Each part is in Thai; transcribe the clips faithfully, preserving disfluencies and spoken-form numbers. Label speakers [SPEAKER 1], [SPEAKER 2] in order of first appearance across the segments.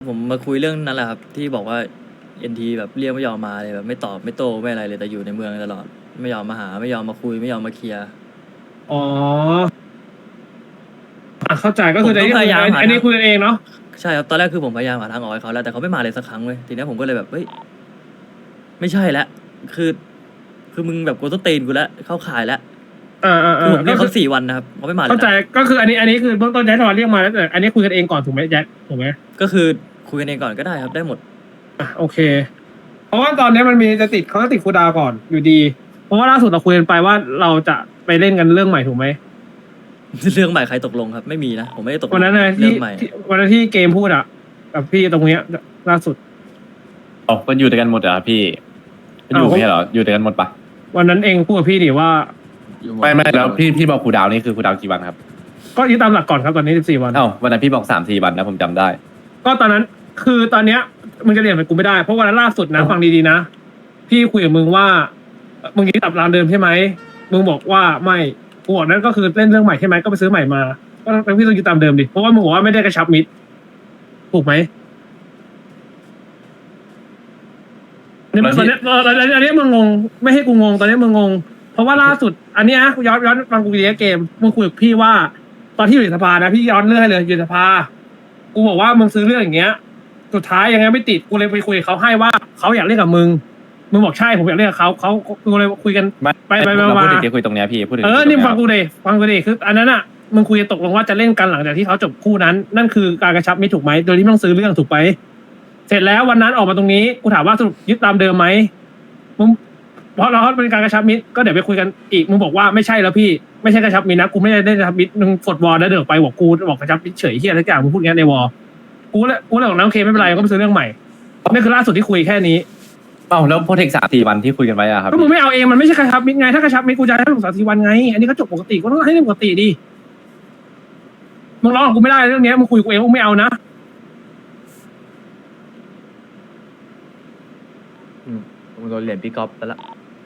[SPEAKER 1] ผมมาคุยเรื่องนั้นแหละครับที่บอกว่าเอ็นทีแบบเรียกไม่ยอมมาเลยแบบไม่ตอบไม่โต้ไม่อะไรเลยแต่อยู่ในเมืองตลอดไม่ยอมมาหาไม่ยอมมาคุยไม่ยอมมาเคลียร์
[SPEAKER 2] อ๋ออ่ะเข้าใจก็
[SPEAKER 1] ผ
[SPEAKER 2] คืออันนี้คือ
[SPEAKER 1] มก็พยายามหา
[SPEAKER 2] อันนี้
[SPEAKER 1] ทาง
[SPEAKER 2] คุยกันเองเนาะ
[SPEAKER 1] ใช่ครับตอนแรกคือผมพยายามหาทางออกให้เขาแล้วแต่เขาไม่มาเลยสักครั้งเลยทีนี้ผมก็เลยแบบเฮ้ยไม่ใช่แล้วคือคือมึงแบบกูต้องตีนกูแล้วเข้าข่ายแล้ว
[SPEAKER 2] อ่าอ่า
[SPEAKER 1] คือผมเรียก
[SPEAKER 2] ก็คือ
[SPEAKER 1] เขาสี่วันนะครับเขาไม่มาเลย
[SPEAKER 2] เข้าใจ
[SPEAKER 1] นะ
[SPEAKER 2] ก็คืออันนี้อันนี้คือเบื้องต้นแจ็คทอนเรียกมาแล้วแต่อันนี้คุยกันเองก่อนถูกไหมแจ็คถูกไหม
[SPEAKER 1] ก็คือคุยกันเองก่อนก็ได้ครับได้หมด
[SPEAKER 2] อ่ะโอเคเพราะว่าตอนนี้มันมีจะติดเขาจะติดคูลดาวน์ก่อนอยู่ดีเพราะว่าล่าสุดเราคุยกันไปว่าเราจะไปเล่นกันเรื่องใหม่ถูกไหม
[SPEAKER 1] เรื่องใหม่ใครตกลงครับไม่มีนะผมไม่ได้ตกลง
[SPEAKER 2] วันนั้นนะ
[SPEAKER 1] เรื่
[SPEAKER 2] ที่
[SPEAKER 1] องใหม่
[SPEAKER 2] ที่วันนั้นที่เกมพูดอะกับพี่ตรงเนี้ยล่าสุด
[SPEAKER 3] อ๋อมันอยู่ด้วยกันหมดเหรอครับพี่มันอยู่
[SPEAKER 2] อ้าว
[SPEAKER 3] ไม่ใช่เหรออยู่ด้วยกันหมดปะ
[SPEAKER 2] วันนั้นเองพูดกับพี่ดิว่า
[SPEAKER 3] ไม่ไม่แล้วพี่พี่บอกครูดาวนี่คือครูดาวกี่วันครับ
[SPEAKER 2] ก็ยึดตามหลักก่อนครับตอนนี้สิบสี่วัน
[SPEAKER 3] เอ้าวันนั้นพี่บอกสามสี่วันนะผมจำได้
[SPEAKER 2] ก็ตอนนั้นคือตอนเนี้ยมึงจะเรียนไปกูไม่ได้เพราะวันนั้นล่าสุดนะฟังดีๆนะพี่คุยกับมึงว่ามึงยึดตามรามเดิมใช่ไหมมึงบอกว่าไม่กูบอกนั่นก็คือเล่นเรื่องใหม่ใช่ไหมก็ไปซื้อใหม่มาก็ต้องพี่ต้องยึดตามเดิมดิเพราะว่ามึงบอกว่าไม่ได้กระชับมิตรถูกไหมอันนี้
[SPEAKER 3] แล้วที่
[SPEAKER 2] ตอนเนี้ยเอออันนี้มึงงงไม่ให้กูงงตอนนี้มึงงงเพราะว่าล่าสุด อันเนี้ยย้อนย้อนฟังกูดีนะเกมมึงคุยกับพี่ว่า ตอนที่อยู่ในสภานะพี่ย้อนเรื่องให้เลยอยู่ในสภากูบอกว่ามึงซื้อเรื่องอย่างเงี้ย สุดท้ายยังไงไม่ติดกูเลยไปคุยกับเขาให้ว่าเขาอยากเล่นกับมึงมึงบอกใช่ผมอยากเล่นกับเขาเขากูเลยคุยกัน
[SPEAKER 3] ไม่
[SPEAKER 2] ไปไป
[SPEAKER 3] เรา
[SPEAKER 2] มา
[SPEAKER 3] พูดถึงที่คุยตรงเนี้ยพี่พูดถึง
[SPEAKER 2] เออ
[SPEAKER 3] ที่
[SPEAKER 2] นี่
[SPEAKER 3] ตรง
[SPEAKER 2] ฟัง
[SPEAKER 3] เนี้ย
[SPEAKER 2] กูเลยฟังกูเลยคืออันนั้นอ่ะมึงคุยกันตกลงว่าจะเล่นกันหลังจากที่เขาจบคู่นั้น นั่นคือการกระชับมิตรถูกไหมโดยที่ไม่ต้องซื้อเรื่องถูกไหมเสร็จแล้ววันนั้นออกมาตรงนี้กูถามว่าสรุปยึดตามเดิมไหมมึงเพราะเราเป็นการกระชับมิตรก็เดี๋ยวไปคุยกันอีกมึงบอกว่าไม่ใช่แล้วพี่ไม่ใช่กระชับมิตรนะกูไม่ได้ได้กระชับมิตรมึงกดวอลแล้วเดินออกไปบอกกูบอกกระชับมิตรเฉยเฮียทุกอย่างมึงพูดงั้นในวอลกูเลยกูเลยบอกน้ำโอเคไม่เป็นไรก็ไปซื้อเรื่องใหม่นี่คือล่าสุดที่คุยแค่นี้
[SPEAKER 3] เอ้าแล้วโปรเทคสามสี่วันที่คุยกันไว้อะครับ
[SPEAKER 2] ก็มึงไม่เอาเองมันไม่ใช่กระชับมิตรไงถ้ากระชับมิตรกูจะให้มึงสามสี่วันไงอันนี้ก็จบปกติก็ต้องให้เรื่องปกติดิมึงร้องกับกูไม่ได้เรื่องเนี้ยมึงคุยกับกูเองมึงไม่เอานะ
[SPEAKER 1] อืมผมโดนเหรียญพี่ก๊อฟไปละ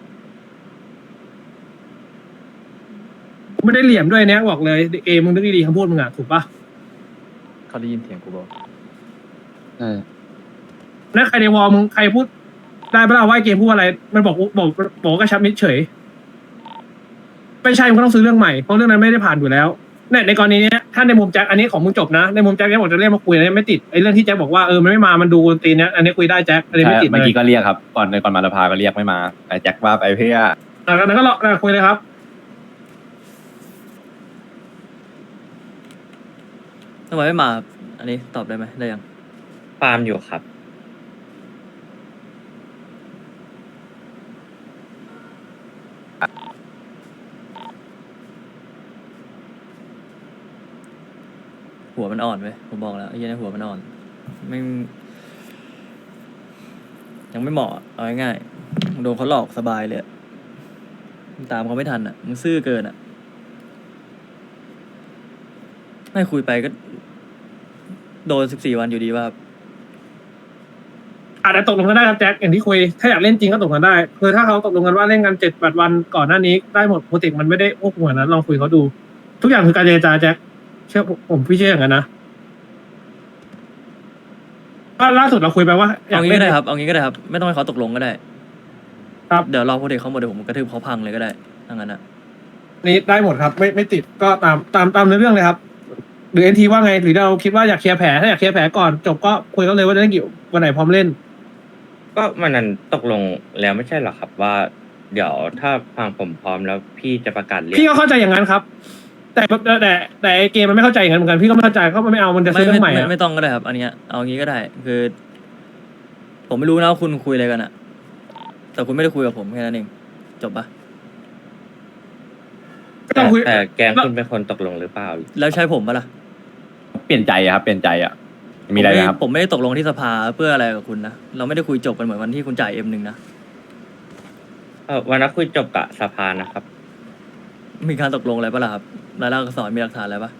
[SPEAKER 2] กูไม่ได้เหลี่ยมด้วยเนี้ยบอกเลยเอมึงนึกดีๆคำพูดมึงอ่ะถูกปะ
[SPEAKER 1] เขาได้ยินเสียงกูบอก
[SPEAKER 3] ใช่
[SPEAKER 2] แล้วใครในวอลมึงใครพูดได้ปะล่ะว่าไอ้เกมพูดอะไรมันบอกบอกบอกว่ากระชับมิตรเฉยไม่ใช่มึงก็ต้องซื้อเรื่องใหม่เพราะเรื่องนั้นไม่ได้ผ่านอยู่แล้วในในกรณีเนี้ยถ้าในมุมแจ็คอันนี้ของมึงจบนะในมุมแจ็คเนี่ยบอกจะเรียกมาคุยอันนี้ไม่ติดไอ้เรื่องที่แจ็คบอกว่าเออมันไม่มามันดูตีนเนี้ยอันนี้คุยได้แจ็คอันนี้
[SPEAKER 3] ใช่
[SPEAKER 2] ไม่ติด
[SPEAKER 3] เมื่อ
[SPEAKER 2] เลย
[SPEAKER 3] กี้ก็เรียกครับก่อนในก่อนมาลพาก็เรียกไม่มาแต่แจ็คว่าไปเพื่อ
[SPEAKER 2] อ่ะแล้วก็รออ่ะคุยเลยครับ
[SPEAKER 1] ทำไมไม่มาครับอันนี้ตอบได้ไหมได้ยัง
[SPEAKER 4] ฟาร์มอยู่ครับ
[SPEAKER 1] หัวมันอ่อนเว้ยผมบอกแล้วไอ้เหี้ยเนยหัวมันอ่อนไม่ยังไม่เหมาะเอาง่ายๆโดนเขาหลอกสบายเลยอะตามเขาไม่ทันอ่ะมึงซื่อเกินอ่ะไม่คุยไปก็ โดนสิบสี่วันอยู่ดีว่า
[SPEAKER 2] อาจจะตกลงกันได้ครับแจ็คอย่างที่คุยถ้าอยากเล่นจริงก็ตกลงกันได้คือถ้าเขาตกลงกันว่าเล่นกันเจ็ดแปดวันก่อนหน้านี้ได้หมดโปรเจกต์มันไม่ได้ควบคุมขนาดนั้นลองคุยเขาดู ทุกอย่างคือการเจรจาแจ็คเชื่อผมผมพี่เชื่ออย่างนั้นนะก็ล่าสุดเราคุยไปว่าอยา
[SPEAKER 1] เอา
[SPEAKER 2] ก
[SPEAKER 1] งี้
[SPEAKER 2] เล่
[SPEAKER 1] ก็
[SPEAKER 2] น
[SPEAKER 1] ได้ครับ เอางี้ก็ได้ครับ ไม่ต้องให้เขาตกลงก็ได้
[SPEAKER 2] ครับ
[SPEAKER 1] เดี๋ยวรอโปรเทคเขาหมดเดี๋ยวผมกระทืบเขาพังเลยก็ได้ทั้งนั้นอ่ะ
[SPEAKER 2] นี่ได้หมดครับ ไม่ไม่ติดก็ตามตามตามในเรื่องเลยครับ หรือเอ็นทีว่าไงหรือเราคิดว่าอยากเคลียร์แผลถ้าอยากเคลียร์แผลก่อนจบก็คุยกันเลยว่าจะเล่นกี่วันไหนพร้อมเล่น
[SPEAKER 4] ก็มันนั้นตกลงแล้วไม่ใช่เหรอครับว่า เดี๋ยวถ้าฟังผมพร้อมแล้วพี่จะประกาศเรียก
[SPEAKER 2] พี่ก็เข้าใจอย่างนั้นครับ แต่แต่แต่แต่ไอ้เกมมันไม่เข้าใจอย่างนั้นเหมือนกันพี่ก็ไม่เข้าใจเขาไม่เอามันจะ
[SPEAKER 1] ไม่
[SPEAKER 2] ซื้อเรื่องให
[SPEAKER 1] ไม่
[SPEAKER 2] ม่
[SPEAKER 1] ไม่
[SPEAKER 2] อะ
[SPEAKER 1] ไม่ต้องก็ได้ครับ อันเนี้ยเอางี้ก็ได้ คือ ผมไม่รู้นะว่าคุณคุยอะไรกันอ่ะ แต่คุณไม่ได้คุยกับผมแค่นั้นเองจบปะ
[SPEAKER 2] ก็ต้องคุย
[SPEAKER 4] แต่แกงคุณเป็นคนตกลงหรือเปล่า
[SPEAKER 1] แล้วใช่ผมปะล่ะ
[SPEAKER 3] เปลี่ยนใจอะครับเปลี่ยนใจอะมีอะไร
[SPEAKER 1] ผ
[SPEAKER 3] นะครับ
[SPEAKER 1] ผมไม่ได้ตกลงที่สภาเพื่ออะไรกับคุณนะเราไม่ได้คุยจบกันเหมือนวันที่คุณจ่ายเอ็มหนึ่งนะ
[SPEAKER 4] เออวันนั้นคุยจบกับสภานะครับ
[SPEAKER 1] มีการตกลงอะไรปะล่ะครับรายลักษณ์อักษรมีหลักฐานอะไรปะ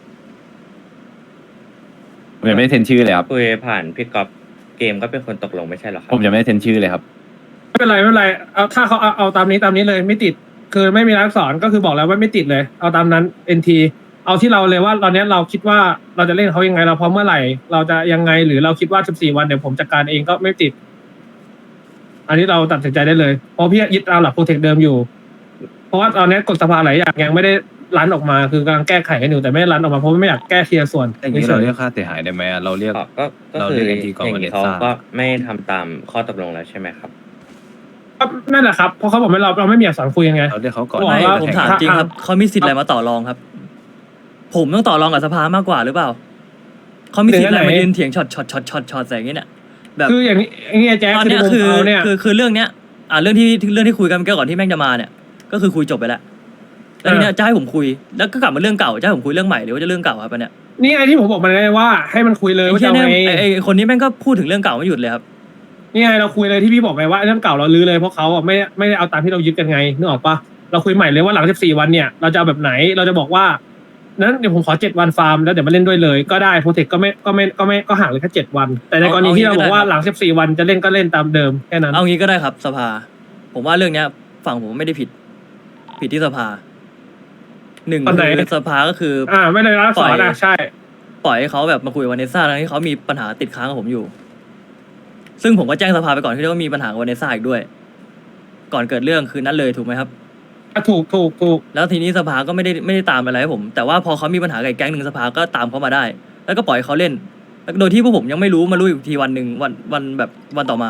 [SPEAKER 3] ผมยังไม่ได้เซ็นชื่อเลยครับ
[SPEAKER 4] คุยผ่านพี่ก๊อฟเกมก็เป็นคนตกลงไม่ใช่เหรอครั
[SPEAKER 3] ผมยังไม่ได้เซ็นชื่อเลยครับ
[SPEAKER 2] ไม่เป็นไรไม่เป็นไรเอาถ้าเขาเอาเอาตามนี้ตามนี้เลยไม่ติด คือไม่มีรักษรก็คือบอกแล้วว่าไม่ติดเลย เอาตามนั้นเอ็นทีเอาที่เราเลยว่าตอนเนี้ยเราคิดว่าเราจะเล่นเขายังไงเราพร้อมเมื่อไหร่ เราจะยังไงหรือเราคิดว่าสิบสี่วันเดี๋ยวผมจัดการเองก็ไม่ติด อันนี้เราตัดสินใจได้เลยเพราะพี่ยึดตามหลักโปรเทคเดิมอยู่ เพราะว่าตอนนี้กฎสภาหลายอย่างยังไม่ได้รันออกมาคือกำลังแก้ไขกันอยู่แต่ไม่ได้รันออกมาเพราะไม่อยากแก้ทีละส่วน
[SPEAKER 5] อย่างนี้เราเรียกค่าเสียหายได้ไหมอะเราเรียก
[SPEAKER 4] ก็ก็ก็
[SPEAKER 5] เรา
[SPEAKER 4] คือ
[SPEAKER 5] เรียก NT ก่อน
[SPEAKER 4] อย่าง
[SPEAKER 5] วัน
[SPEAKER 4] นี้
[SPEAKER 5] เด
[SPEAKER 4] เขา
[SPEAKER 5] ซ่า
[SPEAKER 4] ก็ไม่ทำตามข้อตกลงแล้วใช่ไหมครับ
[SPEAKER 2] ก็นั่นแหละครับเพราะเขาบอกไม่เราเราไม่มีอักษรคุยยังไง
[SPEAKER 5] เราเรียกเขาก่อน
[SPEAKER 2] บอก
[SPEAKER 1] ไม่
[SPEAKER 2] ว่า
[SPEAKER 1] ผมถามจริงครับเขามีสิทธิ์อะไรมาต่อรองครับ ผมต้องต่อรองกับสภามากกว่าหรือเปล่าเขามีสิทธิ์อะไรมายืนเถียงช็อตช็อตช็อตช็อตช็อตใส่อย่างนี้เนี่ยแบบ
[SPEAKER 2] คืออย่างนี้อย่างนี้แจ๊ค
[SPEAKER 1] ตอนเนี้ย
[SPEAKER 2] ในมุม
[SPEAKER 1] คือ
[SPEAKER 2] เขาเนี่ย
[SPEAKER 1] คือคือเรื่องเนี้ยอ่าเรื่องที่เรื่องที่คุยกันเมื่อกี้ก่อนที่แม่งจะมาเนี่ย ก็คือคุยจบไปแล้วแล้วทีเนี้ยจะให้ผมคุยแล้วก็กลับมาเรื่องเก่าจะให้ผมคุยเรื่องใหม่หรือว่าจะเรื่องเก่าครับอันเนี้ย
[SPEAKER 2] นี่ไงที่ผมบอกมันไงว่าให้มันคุยเลย
[SPEAKER 1] ไอ้
[SPEAKER 2] ว่า
[SPEAKER 1] เหี้
[SPEAKER 2] จะ
[SPEAKER 1] ย
[SPEAKER 2] เอา
[SPEAKER 1] เนี่ย
[SPEAKER 2] ไง
[SPEAKER 1] ไอ้ไอ้คนนี้แม่งก็พูดถึงเรื่องเก่าไม่หยุดเลยครับ
[SPEAKER 2] นี่ไงเราคุยเลยที่พี่บอกไปว่าเรื่องเก่าเราลื้อเลยเพราะเขาอ่ะไม่ไม่ได้เอาตามที่เรายึดกันไงนึกออกปะเราคุยใหม่เลยว่าหลังสิบสี่วันเนี่ยเราจะเอาแบบไหนเราจะบอกว่านั้นเดี๋ยวผมขอเจ็ดวันฟาร์มแล้วเดี๋ยวมาเล่นด้วยเลยก็ได้โปรเทคก็ไม่ก็ไม่ก็ไม่ก็ห่างเลยแค่เจ็ดวัน แต่ในกรณีที่เราบอกว่าหลังสิบสี่วันจะเล่นก็เล่นตามเดิมแค่นั้น
[SPEAKER 1] เอางี้ก็ได้ครับสภา ผมว่าเรื่องเนี้ยฝั่งผมไม่ได้ผิด ผิดที่สภาหนึ่ง
[SPEAKER 2] ตอนไหน
[SPEAKER 1] คือสภาก็คือ
[SPEAKER 2] อ่าไม่ได้รักษาอ่ะใช่
[SPEAKER 1] ปล่อยให้เขาแบบมาคุยกับวานิสซ่าทั้งที่เขามีปัญหาติดค้างกับผมอยู่ ซึ่งผมก็แจ้งสภาไปก่อนที่เขามีปัญหากับวานิสซ่าอีกด้วย ก่อนเกิดเรื่องคืนนั้นเลยถูกไหมครับ
[SPEAKER 2] ถูกถูกถูก
[SPEAKER 1] แล้วทีนี้สภาก็ไม่ได้ไม่ได้ตามอะไรให้ผม แต่ว่าพอเขามีปัญหากับอีกแก๊งหนึ่งสภาก็ตามเขามาได้ แล้วก็ปล่อยเขาเล่นแล้วโดยที่พวกผมยังไม่รู้มารู้อีกทีวันหนึ่งวันวันแบบวันต่อมา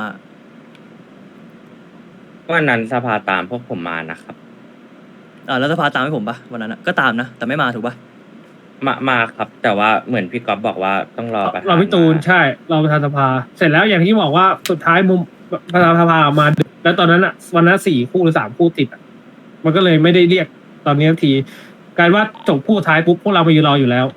[SPEAKER 4] วันนั้นสภาตามพวกผมมานะครับ
[SPEAKER 1] อ่าแล้วสภาตามให้ผมปะวันนั้นอะก็ตามนะแต่ไม่มาถูกปะ
[SPEAKER 4] มามาครับ แต่ว่าเหมือนพี่ก๊อฟบอกว่าต้องรอประธาน
[SPEAKER 2] เราพี่ตูน
[SPEAKER 4] มา
[SPEAKER 2] ใช่เราประธานสภา เสร็จแล้วอย่างที่บอกว่าสุดท้ายมุมประธานสภาออกมาดึกแล้วตอนนั้นอ่ะวันนั้นสี่คู่หรือสามคู่ติดอ่ะมันก็เลยไม่ได้เรียกตอนนี้ทันทีกลายว่าจบคู่ท้ายปุ๊บพวกเราไปยืนรออยู่แล้ว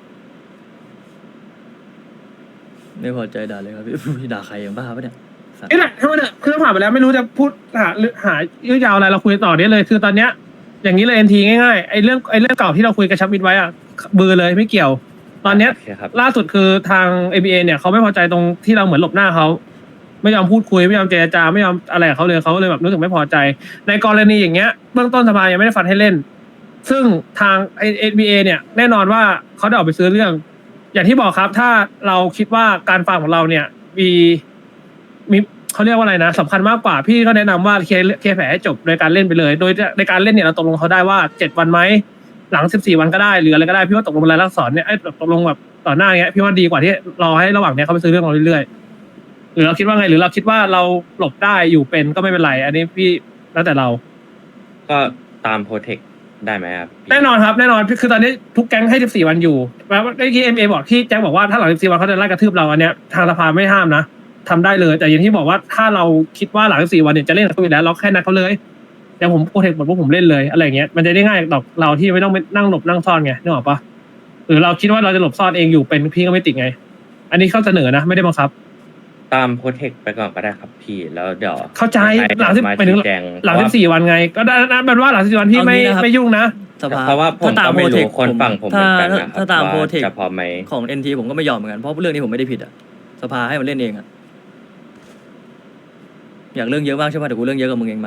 [SPEAKER 1] ไม่พอใจด่าเลยครับพี่ พี่ด่าใครอย่างบ้าปะเนี่ยสัตว์
[SPEAKER 2] นี่แหละถ้ามันเนี่ยคือผ่านไปแล้วไม่รู้จะพูดหาหรือหายืดยาวอะไรเราคุยต่อได้เลย คือตอนเนี้ย อย่างนี้เลยเอ็นทีง่ายๆไอ้เรื่องไอ้เรื่องเก่าที่เราคุยกระชับมิตรไว้อ่ะเบอร์เลยไม่เกี่ยว ตอนเนี้ย
[SPEAKER 4] โอเคครับ
[SPEAKER 2] ล่าสุดคือทาง เอ บี เอ เนี่ยเขาไม่พอใจตรงที่เราเหมือนหลบหน้าเขาไม่ยอมพูดคุยไม่ยอมเจรจาไม่ยอมอะไรกับเขาเลยเขาเลยแบบรู้สึกไม่พอใจ ในกรณีอย่างเงี้ยเบื้องต้นสภายังไม่ได้ฟันให้เล่น ซึ่งทาง เอ บี เอ เนี่ยแน่นอนว่าเขาได้ออกไปซื้อเรื่อง อย่างที่บอกครับ ถ้าเราคิดว่าการฟังของเราเนี่ยมีมีเขาเรียกว่าอะไรนะสำคัญมากกว่าพี่ก็แนะนำว่าเคลียร์เคลียร์แผลให้จบโดยการเล่นไปเลย โดยในการเล่นเนี่ยเราตกลงเขาได้ว่าเจ็ดวันไหมหลังสิบสี่วันก็ได้หรืออะไรก็ได้พี่ว่าตกลงรายลักษณ์เนี่ยไอ้ตกลงแบบต่อหน้าเงี้ยพี่ว่าดีกว่าที่รอให้ระหว่างเนี้ยเขาไปซื้อเรื่องเราเรื่อยๆหรือเราคิดว่าไงหรือเราคิดว่าเราหลบได้อยู่เป็นก็ไม่เป็นไร อันนี้พี่แล้วแต่เรา
[SPEAKER 4] ก็ตามโปรเทคได้ไหมครับพี่
[SPEAKER 2] แน่นอนครับแน่นอนคือตอนนี้ทุกแก๊งให้สิบสี่วันอยู่แล้วเมื่อกี้เอ็มเอบอกที่แจ็คบอกว่าถ้าหลังสิบสี่วันเขาจะไล่กระทืบเราอันเนี้ยทางสภาไม่ห้ามนะทำได้เลยแต่อย่างที่บอกว่าถ้าเราคิดว่าหลังสิบสี่วันเนี่ยจะเล่นกับเขาอยู่แล้วเราแค่นัดเขาเลยเดี๋ยวผมโปรเทคหมดพวกผมเล่นเลยอะไรอย่างเงี้ยมันจะได้ง่ายต่อเราที่ไม่ต้องไปนั่งหลบนั่งซ่อนไงนึกออกปะหรือเราคิดว่าเราจะหลบซ่อนเองอยู่เป็นพี่ก็ไม่ติดไง อันนี้เขาเสนอนะไม่ได้บังคับ
[SPEAKER 4] ตามโปรเทคไปก่อนก็ได้ครับพี่แล้วเดี๋ยว
[SPEAKER 2] เข้าใจหลังสิบ
[SPEAKER 4] มา
[SPEAKER 2] ไปถึง
[SPEAKER 4] ชี้แจง
[SPEAKER 2] หลังสิบสี่วันไง ก็ได้นะเป็นว่าหลังสิบสี่วันพี่ไม่ไม่ยุ่งนะ
[SPEAKER 1] สภา
[SPEAKER 4] เพราะว่าผม
[SPEAKER 1] ถ้าตาม
[SPEAKER 4] ก็
[SPEAKER 1] โป
[SPEAKER 4] ไม่
[SPEAKER 1] รเท
[SPEAKER 4] รู้
[SPEAKER 1] ค
[SPEAKER 4] คนฝั่งผมเหมือนกัน
[SPEAKER 1] ถ้า
[SPEAKER 4] นะครับ
[SPEAKER 1] ถ้าตาม
[SPEAKER 4] ว่า
[SPEAKER 1] โปรเทค
[SPEAKER 4] จะพอไหม
[SPEAKER 1] ของเอ็นทีผมก็ไม่ยอมเหมือนกันเพราะเรื่องนี้ผมไม่ได้ผิดอะสภาให้มันเล่นเองอะอยากเรื่องเยอะมากใช่ปะเดี๋ยวกูเรื่องเยอะกับมึงเองมา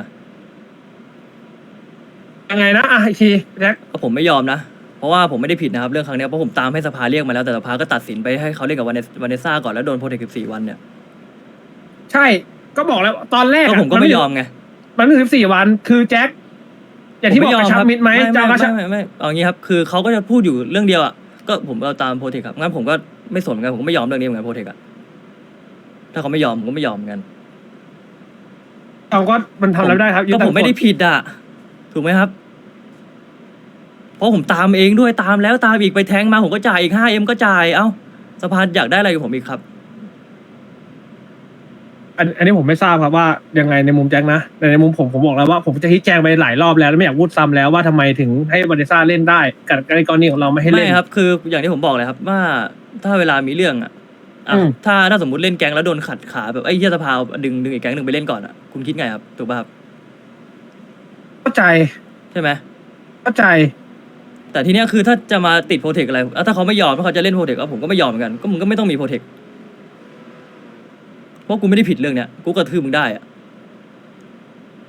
[SPEAKER 2] ยังไงนะอ่ะอีกทีแจ็ค
[SPEAKER 1] ก็ผมไม่ยอมนะ เพราะว่าผมไม่ได้ผิดนะครับเรื่องครั้งเนี้ยเพราะผมตามให้สภาเรียกมาแล้วแต่สภาก็ตัดสินไปให้เขาเล่นกับวาเนสซ่าก่อนแล้วโดนโปรเทคสิบสี่วันเนี่ย
[SPEAKER 2] ใช่ก็บอกแล้วตอนแรก
[SPEAKER 1] ก็
[SPEAKER 2] อะ
[SPEAKER 1] ผมก็ไม่ยอมไง
[SPEAKER 2] มันไม่ถึงสิบสี่วันคือแจ็คอย่างที่บอกกระชับมิตรไหม
[SPEAKER 1] ไม่
[SPEAKER 2] จะเอากระชับ
[SPEAKER 1] ไม่ไม่ไม่เอางี้ครับคือเขาก็จะพูดอยู่เรื่องเดียวอ่ะก็ผมเอาตามโปรเทคครับงั้นผมก็ไม่สนเหมือนกันผมก็ไม่ยอมเรื่องนี้เหมือนกันโปรเทคอ่ะถ้าเขาไม่ยอมผมก็ไม่ยอมเหมือนกัน
[SPEAKER 2] เราก็มันทำอะไรไม่ได้ครับ
[SPEAKER 1] ก็ผมไม่ได้ผิดอ่ะถูกไหมครับ เพราะผมตามเองด้วยตามแล้วตามอีกไปแทงมาผมก็จ่ายอีกห้าเอ็มก็จ่ายเอ้าสภาอยากได้อะไรกับผมอีกครับ
[SPEAKER 2] อันอันนี้ผมไม่ทราบครับว่ายังไงในมุมแจ็คนะแต่ในมุมผมผมบอกแล้วว่าผมจะชี้แจงไปหลายรอบแล้วแล้วไม่อยากพูดซ้ำแล้วว่าทำไมถึงให้บาริซ่าเล่นได้กับในกรณีของเราไม่ให้เล่น
[SPEAKER 1] ไม่ครับคืออย่างที่ผมบอกเลยครับว่าถ้าเวลามีเรื่องอ่ะอ่ะ
[SPEAKER 2] อืม
[SPEAKER 1] ถ้าถ้าสมมติเล่นแก๊งแล้วโดนขัดขาแบบไอ้เหี้ยสภาดึงดึงอีกแก๊งหนึ่งไปเล่นก่อนอ่ะคุณคิดไงครับถูกป่ะครับ
[SPEAKER 2] เข้าใจ
[SPEAKER 1] ใช่ไหม
[SPEAKER 2] เข้าใจ
[SPEAKER 1] แต่ทีเนี้ยคือถ้าจะมาติดโปรเทคอะไรอ่ะถ้าเขาไม่ยอมถ้าเขาจะเล่นโปรเทคก็ผมก็ไม่ยอมเหมือนกันก็มึงก็ไม่ต้องมีโปรเทคเพราะกูไม่ได้ผิดเรื่องเนี้ยกูกระทืบมึงได้อ่ะ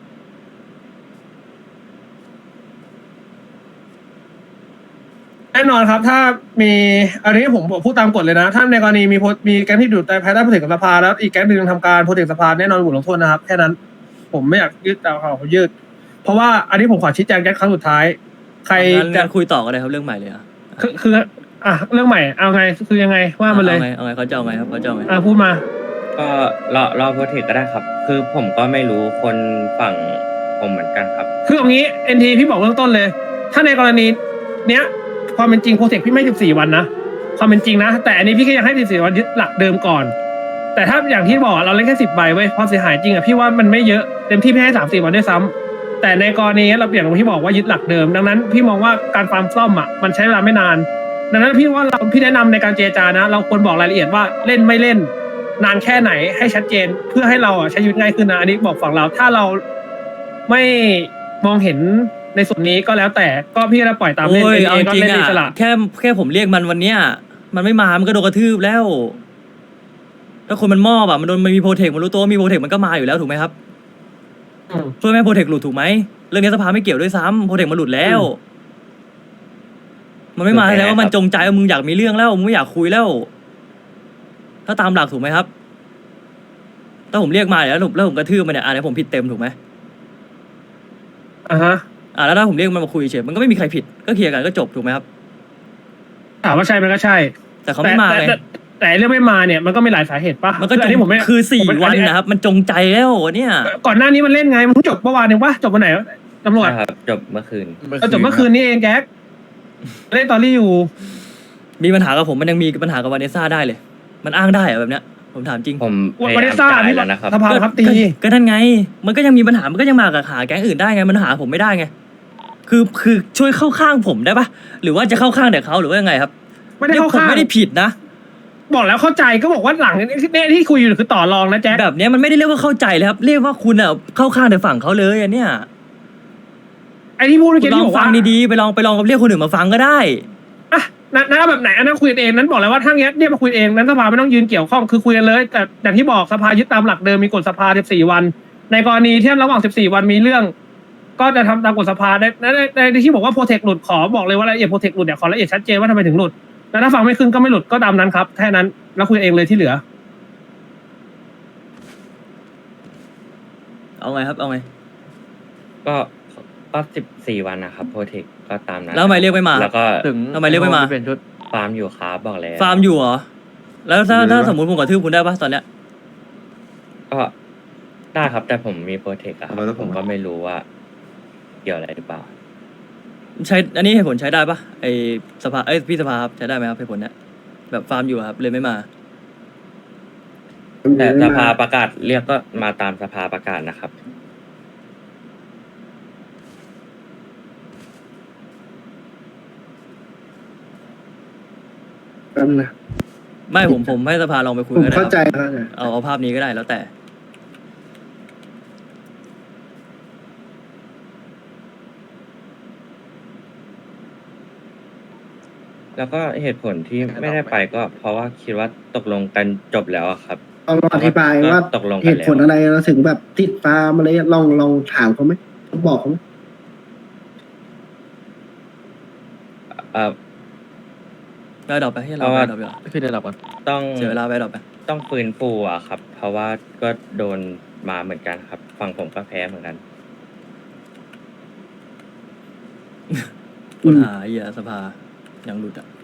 [SPEAKER 2] แน่นนอนครับ ถ้ามีอันนี้ผมผมพูดตามกฎเลยนะ ถ้าในกรณีมีโพมีแก๊งที่อยู่ในภายใต้โปรเทคของสภาแล้วอีกแก๊งหนึ่งทำการโปรเทคสภาแน่นอนบทลงโทษนะครับแค่นั้นผมไม่อยากยืดเอาเขายืด เพราะว่าอันนี้ผมขอชี้แจงแก๊งครั้งสุดท้าย ใคร
[SPEAKER 1] งั้น
[SPEAKER 2] จะ
[SPEAKER 1] งั้นคุยต่อกันเลยครับเรื่องใหม่เลยอ่ะ
[SPEAKER 2] คือคืออ่ะเรื่องใหม่เอาไงคือยังไงว่ามันเลย
[SPEAKER 1] เอาไงเอาไงเขาจะเอาไงครับเขาจะเอาไง
[SPEAKER 2] อ่ะพูดมา
[SPEAKER 4] ก็รอรอโปรเทคก็ได้ครับ คือผมก็ไม่รู้คนฝั่งผมเหมือนกันครับ
[SPEAKER 2] คืออย่างนี้เอ็นทีพี่บอกเบื้องต้นเลย ถ้าในกรณีเนี้ยความเป็นจริงโปรเทคพี่ไม่สิบสี่วันนะความเป็นจริงนะแต่อันนี้พี่ก็ยังให้สิบสี่วันยึดหลักเดิมก่อน แต่ถ้าอย่างที่บอกเราเล่นแค่สิบใบเว้ยความเสียหายจริงอะพี่ว่ามันไม่เยอะเต็มที่พี่ให้สามสี่วันด้วยซ้ำแต่ในกรณีเราอย่างที่บอกว่ายึดหลักเดิมดังนั้นพี่มองว่าการฟาร์มซ่อมอะมันใช้เวลาไม่นานดังนั้นพี่ว่าเราพี่แนะนำในการเจรจานะ เราควรบอกรายละเอียดว่าเล่นไม่เล่น นานแค่ไหนให้ชัดเจนเพื่อให้เราอะใช้ชีวิตง่ายขึ้นนะอันนี้บอกฝั่งเราถ้าเราไม่มองเห็นในส่วนนี้ก็แล้วแต่ก็พี่จะปล่อยตามเล่น
[SPEAKER 1] โอ้ย
[SPEAKER 2] เอง
[SPEAKER 1] เอาจ
[SPEAKER 2] ก็
[SPEAKER 1] ริง
[SPEAKER 2] เล่นอิสระ
[SPEAKER 1] อ่ะแค่แค่ผมเรียกมันวันเนี้ยมันไม่มามันก็โดนกระทืบแล้ว ถ้าคนมันมอบอ่ะมันโดนมันมีโปรเทคมันรู้ตัวว่ามีโปรเทคมันก็มาอยู่แล้วถูกไหมครับ
[SPEAKER 2] อืม
[SPEAKER 1] เพื่อไม่ให้โปรเทคหลุดถูกไหมเรื่องนี้สภาไม่เกี่ยวด้วยซ้ำโปรเทคมันหลุดแล้ว มันไม่มาแสดงว่ามันจงใจว่ามึงอยากมีเรื่องแล้วมึงไม่อยากคุยแล้ว ถ้าตามหลักถูกไหมครับ ถ้าผมเรียกมาแล้วแล้วผมแล้วผมกระทืบมันเนี่ยอ่ะแล้วผมผิดเต็มถูกไหม
[SPEAKER 2] อ่าฮะ
[SPEAKER 1] อ่ะแล้วถ้าผมเรียกมันมาคุยเฉยมันก็ไม่มีใครผิดก็เคลียร์กันก็จบถูกไหมครับ
[SPEAKER 2] ถามว่าใช่มันก็ใช่
[SPEAKER 1] แต่เขาไม่มา
[SPEAKER 2] แต่
[SPEAKER 1] ไง
[SPEAKER 2] แต่แต่เรื่องไม่มาเนี่ยมันก็มีหลายสาเหตุปะ
[SPEAKER 1] มันก็
[SPEAKER 2] คือ
[SPEAKER 1] จ
[SPEAKER 2] อัน
[SPEAKER 1] ง
[SPEAKER 2] นี้ผมไม่
[SPEAKER 1] คือสี่
[SPEAKER 2] ผมไม่
[SPEAKER 1] วัน
[SPEAKER 2] อั
[SPEAKER 1] นะครับ มันจงใจแล้วเนี่ย
[SPEAKER 2] ก่อนหน้านี้มันเล่นไงมันเพิ่งจบเมื่อวานเองปะจบวันไหนตำรวจ
[SPEAKER 4] นะครับ จบเมื่อคืน
[SPEAKER 2] ก็จบเมื่อคืนนี้เองแก๊กเล่นตอรี่อยู่
[SPEAKER 1] มีปัญหากับผมมันยังมีปัญหากับวาเนซ่าได้เลย มันอ้างได้เหรอแบบเนี้ยผมถามจริง
[SPEAKER 4] ผมพยา
[SPEAKER 2] วันนี้
[SPEAKER 4] ยาม
[SPEAKER 2] ซ่า
[SPEAKER 4] จ่าย
[SPEAKER 2] นี่
[SPEAKER 4] แล้วนะครับ
[SPEAKER 2] สภาครับตี
[SPEAKER 1] ก็ก็นั่นไง มันก็ยังมีปัญหามันก็ยังมากับหาแก๊งอื่นได้ไงมันหาผมไม่ได้ไง คือคือช่วยเข้าข้างผมได้ปะหรือว่าจะเข้าข้างแต่เขาหรือว่ายังไงครับ
[SPEAKER 2] ไม่ได้เข้า
[SPEAKER 1] ผม
[SPEAKER 2] ข้าง
[SPEAKER 1] ไม่ได้ผิดนะ
[SPEAKER 2] บอกแล้วเข้าใจก็บอกว่าหลังเนี่ยที่คุยอยู่คือต่อรองนะแจ๊ค
[SPEAKER 1] แบบเนี้ยมันไม่ได้เรียกว่าเข้าใจเลยครับ เรียกว่าคุณอ่ะเข้าข้างแต่ฝั่งเขาเลยอันเนี้ย
[SPEAKER 2] ไอ้ที่พูดเมื่อ
[SPEAKER 1] คุ
[SPEAKER 2] กี้
[SPEAKER 1] ณลอ
[SPEAKER 2] ที่
[SPEAKER 1] ง
[SPEAKER 2] บอก
[SPEAKER 1] ฟั
[SPEAKER 2] ว่าง
[SPEAKER 1] ดีๆไปลองไปลองกับเรียกคนอื่นมาฟังก็ได้
[SPEAKER 2] อ่ะนั้นนั้นแบบไหนอันนั้นคุยกันเองนั้นบอกแล้วว่าถ้าเงี้ยเนี่ยมาคุยเองนั้นสภาไม่ต้องยืนเกี่ยวข้องคือคุยกันเลย แต่อย่างที่บอกสภายึดตามหลักเดิมมีกฎสภาสิบสี่วัน ในกรณีที่ระหว่างสิบสี่วันมีเรื่อง ก็จะทำตามกฎสภาในในในที่บอกว่าโปรเทคหลุดขอบอกเลยว่ารายละเอียดโปรเทคหลุดเนี่ยขอรายละเอียดชัดเจนว่าทำไมถึงหลุดแล้วถ้าฟังไม่ขึ้นก็ไม่หลุดก็ตามนั้นครับแค่นั้นแล้วคุยเองเลยที่เหลือ
[SPEAKER 1] เอาไงครับเอาไง
[SPEAKER 4] ก็ก็สิบสี่วันนะครับโปรเทคก็ตามนั้น
[SPEAKER 1] แล้วทำไมเรียกไม่มา
[SPEAKER 4] แล้วก็
[SPEAKER 6] ถึง
[SPEAKER 1] ทำไมเรียกไม่มา
[SPEAKER 6] เป็นชุด
[SPEAKER 4] ฟาร์มอยู่ครับบอกแล้ว
[SPEAKER 1] ฟาร์มอยู่เหรอแล้วถ้าถ้าสมมติผมกระทืบคุณได้ปะตอนเนี้ย
[SPEAKER 4] ก็ได้ครับแต่ผมมีโปรเทคอะครับ
[SPEAKER 5] ทำไมต้อง
[SPEAKER 4] ผมก็ไม่รู้ว่าเกี่ยวอะไรหรือเปล่า
[SPEAKER 1] ใช้อันนี้เหตุผลใช้ได้ปะไอสภาเอ้ยพี่สภาครับใช้ได้ไหมครับเหตุผลเนี้ยแบบฟาร์มอยู่อะครับเลยไม่มา
[SPEAKER 4] แต่สภาประกาศเรียกก็มาตามสภาประกาศนะครับ
[SPEAKER 7] แป๊บนะ
[SPEAKER 1] ไม่ผมผมให้สภาลองไปคุย
[SPEAKER 7] ผม
[SPEAKER 1] ก็ได้
[SPEAKER 7] เข้าใจ
[SPEAKER 1] ครับ
[SPEAKER 7] แล้วนะ
[SPEAKER 1] เอาเอาภาพนี้ก็ได้แล้วแต่
[SPEAKER 4] แล้วก็เหตุผลที่ไม่ได้ไปก็ เพราะว่าคิดว่าตกลงกันจบแล้วอะครับ
[SPEAKER 7] ลองอธิบายว่า
[SPEAKER 4] ตกลงกัน
[SPEAKER 7] เหตุผล
[SPEAKER 4] แล้ว
[SPEAKER 7] อะไรเราถึงแบบติดฟาร์มอะไรลองลองถามเขาไหมบอกเขาไหม
[SPEAKER 4] เอ่อ
[SPEAKER 1] ไปดรอปไปให้เรา
[SPEAKER 4] เพราะ
[SPEAKER 1] ไป
[SPEAKER 4] ว่า
[SPEAKER 1] ดรอปดีกว่า
[SPEAKER 6] พี่ได้รับก่อน
[SPEAKER 4] ต้อง
[SPEAKER 1] เสียเวลาไปดรอปไป
[SPEAKER 4] ต้องฟื้นฟูอะครับ เพราะว่าก็โดนมาเหมือนกันครับฝั่งผมก็แพ้เหมือนกัน
[SPEAKER 1] ปัญหาเหี้ยสภายังหลุดอ่ะ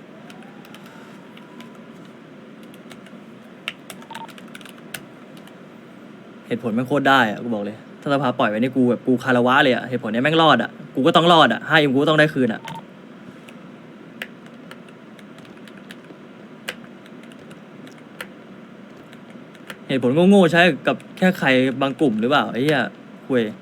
[SPEAKER 1] เหตุผลแม่งโคตรได้อ่ะกูบอกเลยถ้าสภาปล่อยไว้นี่กูแบบกูคารวะเลยอ่ะเหตุผลเนี้ยแม่งรอดอ่ะกูก็ต้องรอดอ่ะห้าเอ็มกูก็ต้องได้คืนอ่ะเหตุผลโง่ๆใช้กับแค่ใครบางกลุ่มหรือเปล่าไอ้เหี้ยคุย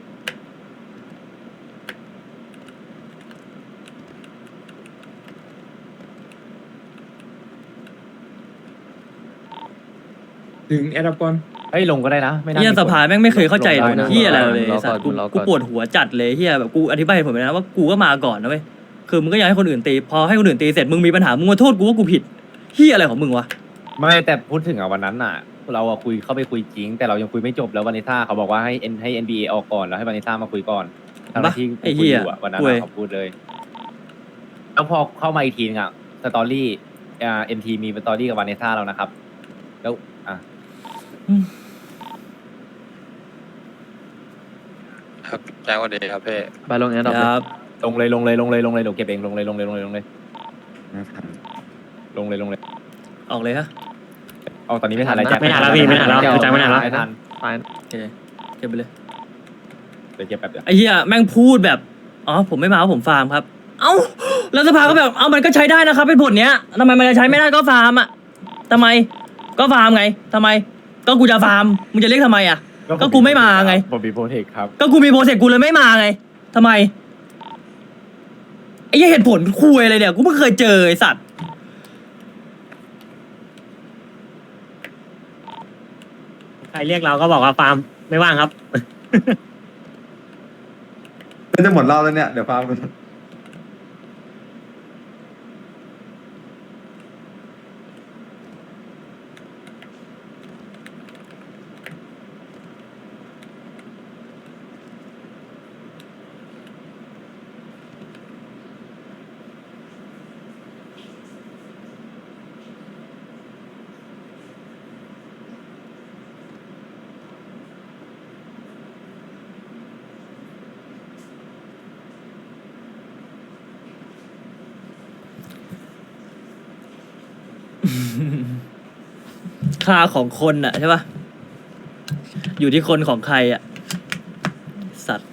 [SPEAKER 8] ถึงแอดปอน
[SPEAKER 6] เฮ้ยลงก็ได้นะไม่น่า
[SPEAKER 1] เฮีย
[SPEAKER 6] มี
[SPEAKER 1] สภาแม่งไม่เคยเข้าใจ
[SPEAKER 6] ลง
[SPEAKER 1] ผ
[SPEAKER 6] ได้
[SPEAKER 1] ล
[SPEAKER 6] นะ
[SPEAKER 1] เฮียอะไรเลย
[SPEAKER 6] รอก่อน
[SPEAKER 1] สัตว์กู
[SPEAKER 6] รอก่อน
[SPEAKER 1] กูปวดหัวจัดเลยเฮียแบบกูอธิบายเหตุผลไปนะว่ากูก็มาก่อนนะเว้ยคือมึงก็อยากให้คนอื่นตีพอให้คนอื่นตีเสร็จมึงมีปัญหามึงมาโทษกูว่ากูผิดเฮียอะไรของมึงวะ
[SPEAKER 6] ไม่แต่พูดถึงอ่ะวันนั้นน่ะ เราอะคุยเข้าไปคุยจริง แต่เรายังคุยไม่จบแล้ววานิต้าเขาบอกว่าให้เอ็นให้ เอ็น บี เอ ออกก่อนแล้วให้วานิต้ามาคุยก่อนทั้งที่
[SPEAKER 1] ไอ้
[SPEAKER 6] คุย
[SPEAKER 1] เหี้
[SPEAKER 6] อย ยู่อะวันนั้น
[SPEAKER 1] คุย
[SPEAKER 6] อะเขาพูดเลย
[SPEAKER 5] เอ
[SPEAKER 6] แล้วพอเข้ามาอีกทีนึงอะสตอรี่อ่าเอ็มทีมีสตอรี่กับวานิซ่าแล้วนะครับ แล้วอ่ะ
[SPEAKER 5] ครับแจ้งวันดีครับพี่
[SPEAKER 8] ไปลงเนี้ยดอก
[SPEAKER 1] ครับ
[SPEAKER 6] ลงเลยลงเลยลงเลยลงเลยเดี๋ยวเก็บเองลงเลยลงเลยลงเลยลงเลยลงเลยลงเลย
[SPEAKER 1] ออกเลยฮะ
[SPEAKER 6] เอาตอนนี้ไม่ทันอะไรแจ็ค
[SPEAKER 8] ไม่ทันแล้วพี่ไม่ทันแล้ว
[SPEAKER 6] เดี๋ย
[SPEAKER 8] คือแจ็คไม่ทันแล้ว
[SPEAKER 6] ไม่ทัน
[SPEAKER 8] ไป
[SPEAKER 1] โอเคเก็บไปเลย
[SPEAKER 6] เดี๋ยวเก็บแบบเดียว
[SPEAKER 1] ไอ้เหี้ยแม่งพูดแบบอ๋อผมไม่มาเพราะผมฟาร์มครับ เอ้าแล้วสภาก็แบบเอ้ามันก็ใช้ได้นะครับเป็นผลเนี้ยทำไมมันจะใช้ไม่ได้ก็ฟาร์มอ่ะทำไมก็ฟาร์มไงทำไมก็กูจะฟาร์มมึงจะเรียกทำไมอ่ะ ก็กูไม่มาไง
[SPEAKER 6] ผมมีโปรเทคครับ
[SPEAKER 1] ก็กูมีโปรเจกต์กูเลยไม่มาไงทำไมไอ้เหี้ยเหตุผลคุยอะไรเนี่ยกูไม่เคยเจอไอ้สัตว์
[SPEAKER 8] ใครเรียกเราก็บอกว่าฟาร์มไม่ว่างครับ
[SPEAKER 9] ไม่จะหมดเหล่าแล้วเนี่ย เดี๋ยวฟัง
[SPEAKER 1] ค่าของคนอะใช่ปะอยู่ที่คนของใครอะสัตว์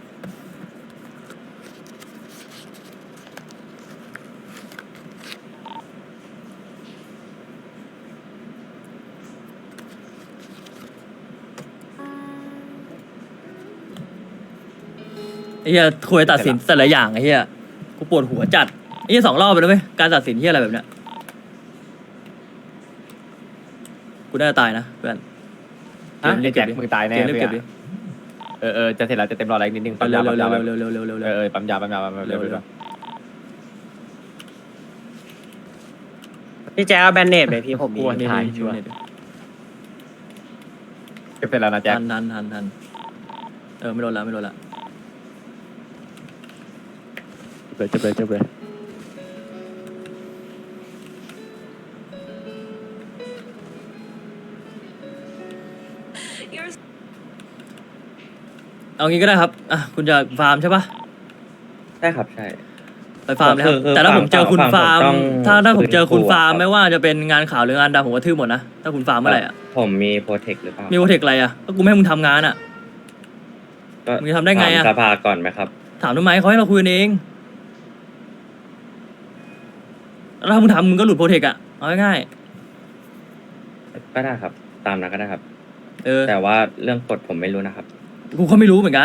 [SPEAKER 1] ไอ้เหี้ยคุยตัดสินแต่ละอย่างไอ้เหี้ยกูปวดหัวจัดไอ้เหี้ยสองรอบไปแล้วเว้ยการตัดสินเหี้ยอะไรแบบเนี้ยกูน่าจะตายนะเพื่อน
[SPEAKER 6] ฮะ
[SPEAKER 1] เรียก
[SPEAKER 6] แจ็
[SPEAKER 1] เก็
[SPEAKER 6] ค
[SPEAKER 1] บดิ
[SPEAKER 6] มึงตายแน่
[SPEAKER 1] เกมเรียก
[SPEAKER 6] เพื่
[SPEAKER 1] เก็
[SPEAKER 6] อบ น
[SPEAKER 1] ดิ
[SPEAKER 6] เออเออจะเสร็จแล้วจะเต็มรออะไรนิดนึงปั๊ม
[SPEAKER 1] เร็
[SPEAKER 6] ยาว ปั๊ม
[SPEAKER 1] เร็
[SPEAKER 6] ยาว
[SPEAKER 1] เร็วเร็วเร็วเร็วเร็ว
[SPEAKER 6] เอ
[SPEAKER 1] เร็ว
[SPEAKER 6] อเออปั๊มยาปั๊มยาปั๊มยาเร็ว
[SPEAKER 1] เร็ว
[SPEAKER 6] เร็ว
[SPEAKER 8] พี่แจ๊คเอาแบนเนตไปพี่ผมมี
[SPEAKER 1] กลัวนี่
[SPEAKER 8] ถ่าย
[SPEAKER 1] นี่
[SPEAKER 8] ชัวร์
[SPEAKER 1] นี่
[SPEAKER 6] เก็บเสร็จแล้วนะแจ็ค
[SPEAKER 1] ทันทันทันทันเออไม่โดนละไม่โดนละ
[SPEAKER 8] เลยจบเลยจบเลย
[SPEAKER 1] เอางี้ก็ได้ครับอ่ะคุณจะฟาร์มใช่ปะ
[SPEAKER 4] ใช่ครับใช่
[SPEAKER 1] ไปฟาร์มเลยครับ
[SPEAKER 4] คือคือ
[SPEAKER 1] แต่ถ้าผมเจอคุณ
[SPEAKER 4] ฝั่ง
[SPEAKER 1] ฟาร์ม
[SPEAKER 4] ผมต้อง
[SPEAKER 1] ถ้าถ้าผมเจอคุณ
[SPEAKER 4] ฟื้นฟู
[SPEAKER 1] ฟาร์ม
[SPEAKER 4] อะครับ
[SPEAKER 1] ไม่ว่าจะเป็นงานข่าวหรืองานดำผมก็ทื่อหมดนะถ้าคุณฟาร์มเมื่อไหร่อ่ะ
[SPEAKER 4] ผมมีโปรเทคหรือเปล่า
[SPEAKER 1] มีโปรเทคอะไรอ่ะก็กูไม่ให้มึงทำงานอ่ะ
[SPEAKER 4] ก็
[SPEAKER 1] มึงจะทำได้ไงอะ
[SPEAKER 4] ถามสภาก่อนไหมครับ
[SPEAKER 1] ถามทำไมเขาให้เราคุยกันเองแล้วถ้ามึงทำมึงก็หลุดโปรเทคอ่ะเอาง่าย
[SPEAKER 4] ก็ได้ครับ ตามนั้นก็ได้ครับ
[SPEAKER 1] ๆเออ
[SPEAKER 4] แต่ว่าเรื่องกฎผมไม่รู้นะครับ
[SPEAKER 1] กูก็ไม่รู้เหมือนกัน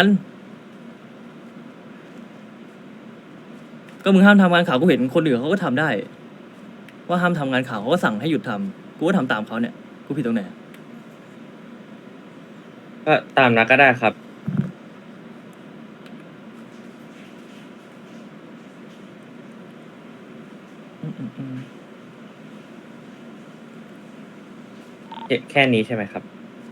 [SPEAKER 1] ก็มึงห้ามทำงานข่าวกูเห็นคนอื่นเขาก็ทำได้ ว่าห้ามทำงานข่าวเขาก็สั่งให้หยุดทำกูก็ทำตามเขาเนี่ยกูผิดตรงไหน
[SPEAKER 4] ก็ตามนั้นก็ได้ครับ
[SPEAKER 1] อืมอืมอืม
[SPEAKER 4] แค่แค่นี้ใช่ไหมครับ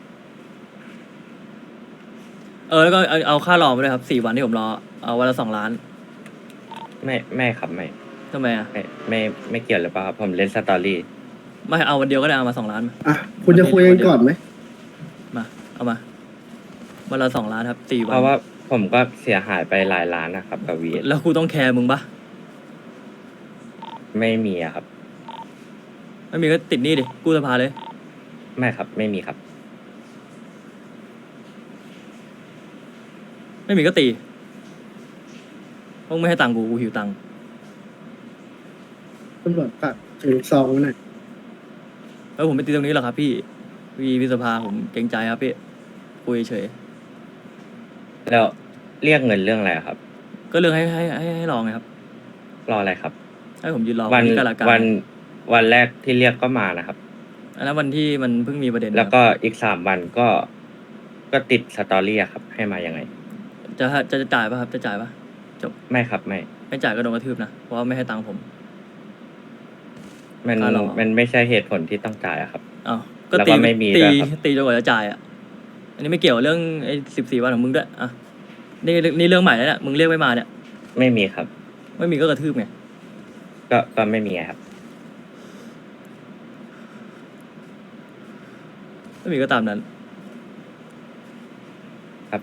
[SPEAKER 1] เออแล้วก็เอาเอาค่ารอมาด้วยครับสี่วันที่ผมรอเอาวันละสองล้าน
[SPEAKER 4] ไม่ไม่ครับไม่
[SPEAKER 1] ทำไมอ่ะ
[SPEAKER 4] ไม่ไม่ไม่เกี่ยวหรือเปล่าครับผมเล่นสตอรี่
[SPEAKER 1] ไม่เอาวันเดียวก็ได้เอามาสองล้านมา
[SPEAKER 7] อ่ะ คุณจะคุยกันก่อนไหม
[SPEAKER 1] มาเอามาวันละสองล้านครับสี่วั
[SPEAKER 4] เพ
[SPEAKER 1] น
[SPEAKER 4] ราะว่าผมก็เสียหายไปหลายล้านนะครับกับวี
[SPEAKER 1] แล้วกูต้องแคร์มึงปะ
[SPEAKER 4] ไม่มีอะครับ
[SPEAKER 1] ไม่มีก็ติดหนี้ดิกู้สภาเลย
[SPEAKER 4] ไม่ครับ ไม่มีครับ
[SPEAKER 1] ไม่มีก็ตีเพราะมึงไม่ให้ตังค์กูกูหิวตังค์
[SPEAKER 7] ตำรวจฝากถึงซองไว้หน่อย
[SPEAKER 1] แล้วผมไม่ตีตรงนี้หรอกครับพี่พี่พิสภาผมเกรงใจครับพี่คุยเฉย
[SPEAKER 4] แล้วเรียกเงินเรื่องอะไรอะครับ
[SPEAKER 1] ก็เรื่องให้ให้ให้ให้ลองไงครับ
[SPEAKER 4] รออะไรครับ
[SPEAKER 1] ให้ผมยืนรอ
[SPEAKER 4] วัน
[SPEAKER 1] ที่กาลาการ
[SPEAKER 4] วันวันแรกที่เรียกก็มานะครับ
[SPEAKER 1] อันนั้นวันที่มันเพิ่งมีประเด็น
[SPEAKER 4] แล้วก็อีกสามวันก็ก็ติดสตอรี่อะครับ ให้มายังไง
[SPEAKER 1] จะจะจะจ่ายป่ะครับจะจ่ายป่ะ
[SPEAKER 4] ไม่ครับไม่
[SPEAKER 1] ไม่จ่ายก็โดนกระทืบนะเพราะว่าไม่ให้ตังค์ผม
[SPEAKER 4] มัน
[SPEAKER 1] การหรอ
[SPEAKER 4] มันไม่ใช่เหตุผลที่ต้องจ่ายอะครับ
[SPEAKER 1] อ้าวก็
[SPEAKER 4] แล้ว
[SPEAKER 1] ตี
[SPEAKER 4] ก็ไม่มี
[SPEAKER 1] ตี
[SPEAKER 4] ด้วยครับ
[SPEAKER 1] ตีจนกว่าจะจ่ายอ่ะอันนี้ไม่เกี่ยวเรื่องไอ้สิบสี่วันของมึงด้วยอ่ะนี่นี่เรื่องใหม่แล้วเนี่ยมึงเรียกไม่มาเนี่ย
[SPEAKER 4] ไม่มีครับ
[SPEAKER 1] ไม่มีก็กระทืบไง
[SPEAKER 4] ก็ก็ไม่มีครับ
[SPEAKER 1] ไม่มีก็ตามนั้น
[SPEAKER 4] ครับ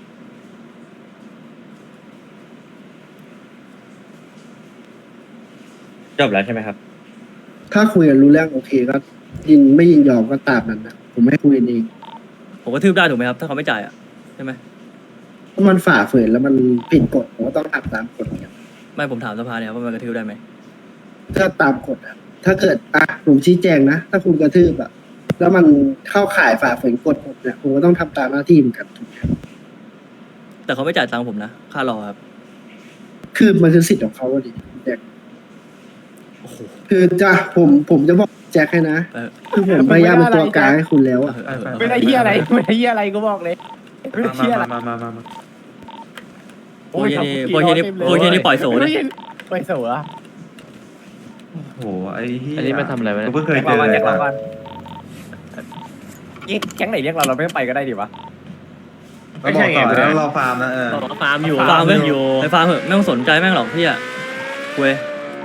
[SPEAKER 4] จบแล้วใช่ไหมครับ
[SPEAKER 7] ถ้าคุยกันรู้เรื่องโอเคก็ยินไม่ยินยอมก็ตามนั้นนะผมไม่คุยกันเอง
[SPEAKER 1] ผมก็ทืบได้ถูกไหมครับ ถ้าเขาไม่จ่ายอ่ะใช่ไหม
[SPEAKER 7] ถ้ามันฝ่าฝืนแล้วมันผิดกฎผมก็ต้องทำตามกฎเนี่ย
[SPEAKER 1] ไม่ผมถามสภาเนี่ยครับว่ามันกระทืบได้ไหม
[SPEAKER 7] ถ้าตามกฎอะถ้าเกิดอ่ะผมชี้แจงนะถ้าคุณกระทืบอะแล้วมันเข้าข่ายฝ่าฝืนกฎผมเนี่ยผมก็ต้องทำตามหน้าที่เหมือนกันถูกไหมครับ
[SPEAKER 1] แต่เขาไม่จ่ายตังค์ผมนะค่ารอครับ
[SPEAKER 7] คือมันคือสิทธิ์ของเขาอะดิแจ็ค
[SPEAKER 1] โอ้โห
[SPEAKER 7] คือจะผมผมจะบอกแจ็คให้นะ
[SPEAKER 1] เออ
[SPEAKER 7] คือผมพยายามเป็นตัวกลางให้คุณแล้วอะ
[SPEAKER 1] เออเออเออ
[SPEAKER 6] ไม่ได้เฮียอะไรไม่ได้เฮียอะไรกูบอกเลยไม่ได้
[SPEAKER 9] มา
[SPEAKER 6] เฮียอะไร
[SPEAKER 9] มามามามา
[SPEAKER 1] โอ้ยนี่โอ้ยนี่โอ้ยนี่ปล่อยโสดเลย
[SPEAKER 6] ปล่อยโสดอะ
[SPEAKER 9] โอ้โหไอ้เหี้ย
[SPEAKER 3] อันนี้มันทำอะไรวะเนี่ย
[SPEAKER 9] กูเพิ่งเคย
[SPEAKER 6] แจ็ค
[SPEAKER 9] เจ
[SPEAKER 6] เรา
[SPEAKER 9] อ
[SPEAKER 6] ก่อน
[SPEAKER 9] เล
[SPEAKER 6] แจ็
[SPEAKER 9] ย
[SPEAKER 6] คเราก่อนเอ๊ะแก๊งไหนเรียกเราเราไม่ต้องไปก็ได้ดิวะ
[SPEAKER 9] เราบอกต่อแล้วเราฟาร์มนะเออ
[SPEAKER 8] บอกว่าฟาร์มอยู่
[SPEAKER 1] ฟาร์ม
[SPEAKER 8] ฟ
[SPEAKER 1] ไม่
[SPEAKER 8] อยู่
[SPEAKER 1] ไปฟาร์มเหอะไม่ต้องสนใจแม่งหรอกพี่อ่ะเว้ย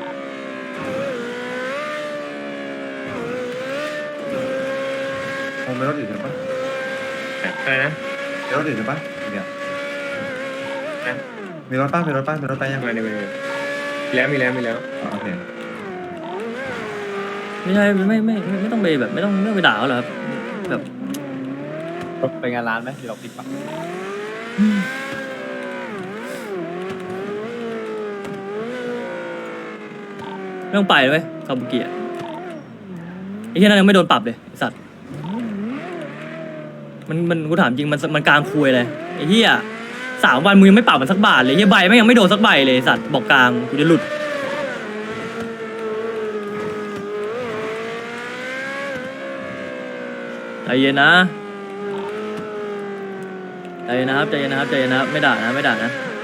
[SPEAKER 9] คงไม่รถอื่นหรือปะ
[SPEAKER 8] อะไรนะ
[SPEAKER 9] มีรถอื่นหรือปะเนี่ยมีรถป้ามีรถป้ามีรถไปยัง
[SPEAKER 8] มาเนี่ยมีแล้วมีแล้วมีแล้ว
[SPEAKER 9] อ๋อโอเค
[SPEAKER 1] ไม่ใช่ไม่ไม่ไม่ไม่ไม่ต้องไปแบบไม่ต้องไม่ต้องไปด่าเขาหรอกครับแบบ
[SPEAKER 6] ไปงานร้านไหมหรือเราปิดปะ
[SPEAKER 1] ไม่ต้องไปเลยเว้ยคาบุกิอ่ะไอ้ที่นั่นยังไม่โดนปรับเลยไอ้สัตว์มันมันกูถามจริงมันมันกลางคุยเลยไอ้เหี้ยสามวันมึงยังไม่ปรับมันสักบาทเลยเหี้ยใบแม่งยังไม่โดนสักใบเลยไอ้สัตว์บอกกลางกูจะหลุดใจเย็นนะใจเย็นนะครับใจเย็นนะครับใจเย็นนะครับไม่ด่านะไม่ด่านะ